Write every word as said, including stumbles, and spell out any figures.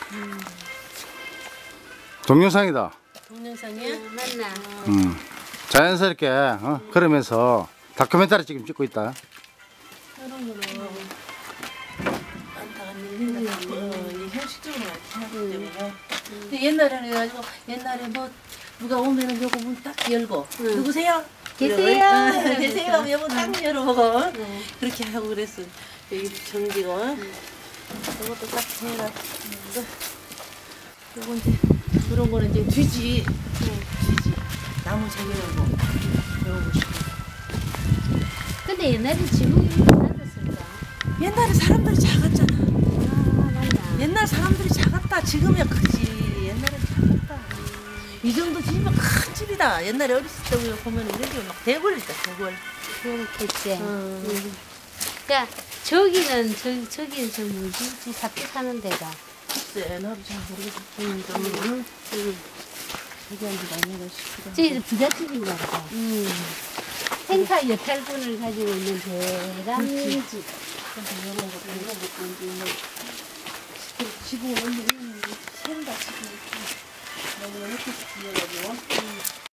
음. 동영상이다. 동영상이야? 응, 맞나? 음. 자연스럽게 어? 그러면서 다큐멘터리 지금 찍고 있다. 이런 거는 안타가 밀린다. 어, 이게 형식적으로 이렇게 하기 때문에. 근데 옛날에는 해가지고 옛날에 뭐 누가 오면은 요거 문 딱 열고 응. 누구세요? 계세요? 이러고, 어, 계세요? 하면 요거 딱 열어보고 네. 그렇게 하고 그랬어. 여기 정지고 요것도 딱 해라. 요거 이제 그런 거는 이제 뒤지. 뒤지. 나무 재개하고 요거 싶어. 근데 옛날에 지붕이 낮았을까? 옛날에 사람들이 작았잖아. 아, 맞나? 옛날 사람들이 작았다. 지금이야 크지. 옛날에 작았다. 이 정도 집이면 큰 집이다. 옛날에 어렸을 때 우리가 보면 이런 집막 대궐이다. 대궐. 그렇겠지. 음. 응. 그러니까 저기는 저 저기는 저 뭐지? 저 사태 사는 데가. 글쎄 나도 잘 모르겠어. 응, 응, 응. 저기 한 지가 아니라 싶기도 하고. 저기 부잣집인가 보다. 음. 생사 여탈군을 가지고 있는 대감집. 그래서 이런 것도 이런 것도 이제 뭐 지붕을 올리면 샌다 지금. 너무 이렇게 비어가지고.